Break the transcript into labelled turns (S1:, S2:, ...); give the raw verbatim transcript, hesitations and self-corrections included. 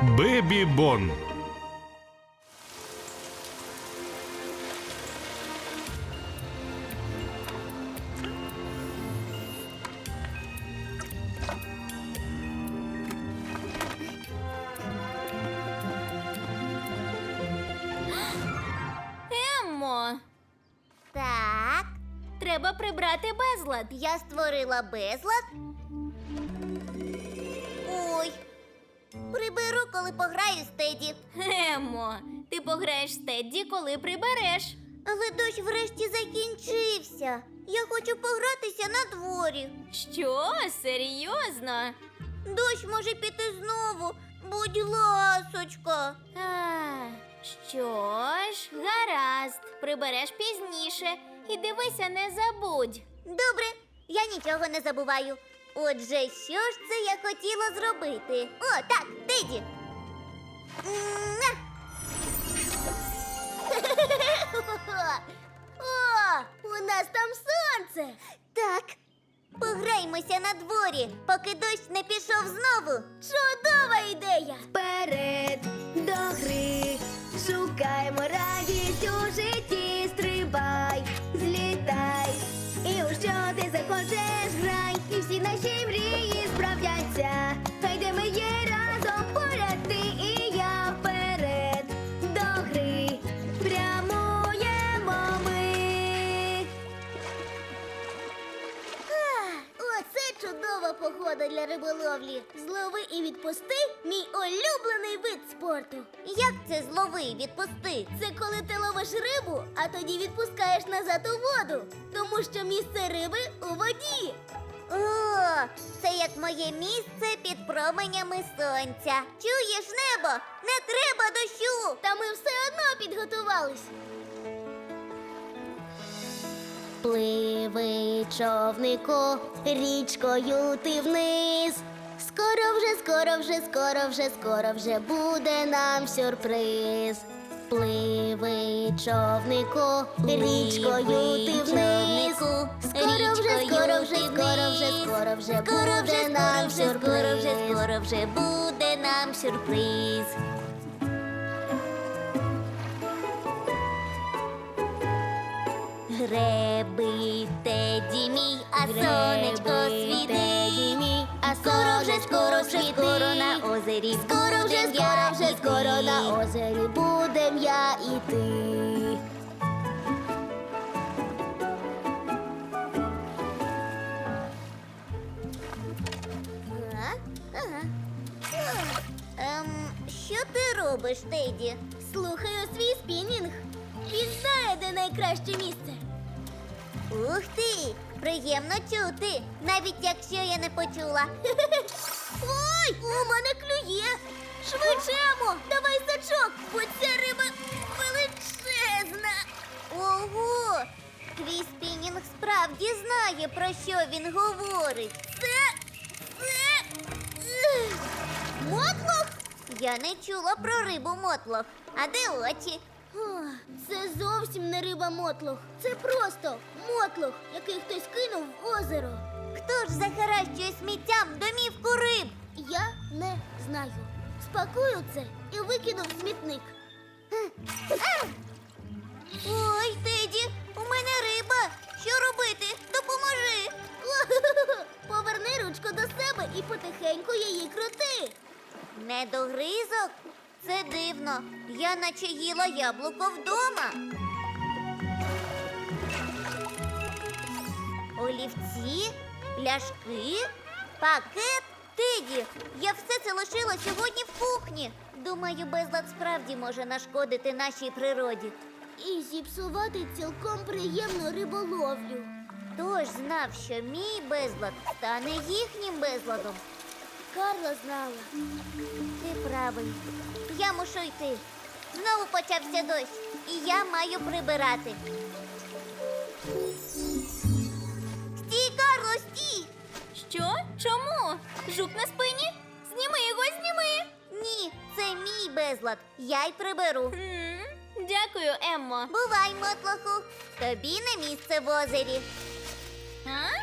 S1: Бебі Бон.
S2: Еммо,
S3: Так,
S2: треба прибрати безлад.
S3: я створила безлад. Ой. Приберу, коли пограю з Теді.
S2: Еммо, ти пограєш з Тедді, коли прибереш.
S3: Але дощ врешті закінчився. Я хочу погратися на дворі.
S2: Що? Серйозно?
S3: Дощ може піти знову. Будь ласочка.
S2: А, що ж, гаразд, прибереш пізніше. І дивися, не забудь.
S3: Добре, я нічого не забуваю. Отже, що ж це я хотіла зробити? О, так, Теді. Муа! О, у нас там сонце. Так. Пограймося на дворі, поки дощ не пішов знову. Чудова ідея!
S4: Вперед до гри, шукаємо радість у житті, стрибай, злітай, і у що ти захочеш грай, і всі наші мрії справдяться. Хай де ми є разом, поряд ти і я, вперед до гри, прямуємо ми.
S3: Оце чудова погода для риболовлі. Злови і відпусти – мій улюблений вид спорту. Як це злови і відпусти? Це коли ти ловиш рибу, а тоді відпускаєш назад у воду. Тому що місце риби у воді. О, це як моє місце під променями сонця. Чуєш, небо? Не треба дощу! Та ми все одно підготувались. Пливи, човнику, річкою ти вниз. Скоро вже, скоро вже, скоро вже, скоро вже буде нам сюрприз. Пливи, човнику, річкою ти вниз. Скоро вже, скоро вже, скоро вже, скоро вже буде нам сюрприз. Скоро вже, скоро вже буде нам сюрприз. Греби, Теді мій, а сонечко світить. А скоро вже, скоро вже, скоро на озері. Скоро вже, скоро вже, скоро на озері будем я і ти. Ем, що ти робиш, Теді? Слухаю свій спінінг. Він знає, де найкраще місце. Ух ти! Приємно чути, навіть якщо я не почула. Ой, у мене клює! Швидше, Емо, давай сачок, бо ця риба величезна. Ого! Твій спінінг справді знає, про що він говорить. Це... це... ех, мотлох? Я не чула про рибу мотлох. А де очі? Це зовсім не риба мотлох. Це просто мотлох, який хтось кинув в озеро. Хто ж захаращує сміттям домівку риб? Я не знаю. Спакую це і викину в смітник. Ой, Теді, у мене риба. Що робити? Допоможи. Поверни ручку до себе і потихеньку її крути. Недогризок? Це дивно. Я наче їла яблуко вдома. Олівці, пляшки, пакет. Теді, я все це лишила сьогодні в кухні. Думаю, безлад справді може нашкодити нашій природі. І зіпсувати цілком приємну риболовлю. Хто ж знав, що мій безлад стане їхнім безладом? Карла знала. Ти правий. Я мушу йти. Знову почався дощ, і я маю прибирати. Стій, Карло, стій!
S2: Що? Чому? Жук на спині? Зніми його, зніми!
S3: Ні, це мій безлад. Я й приберу.
S2: М, Дякую, Еммо.
S3: Бувай, мотлоху. Тобі не місце в озері.
S2: А?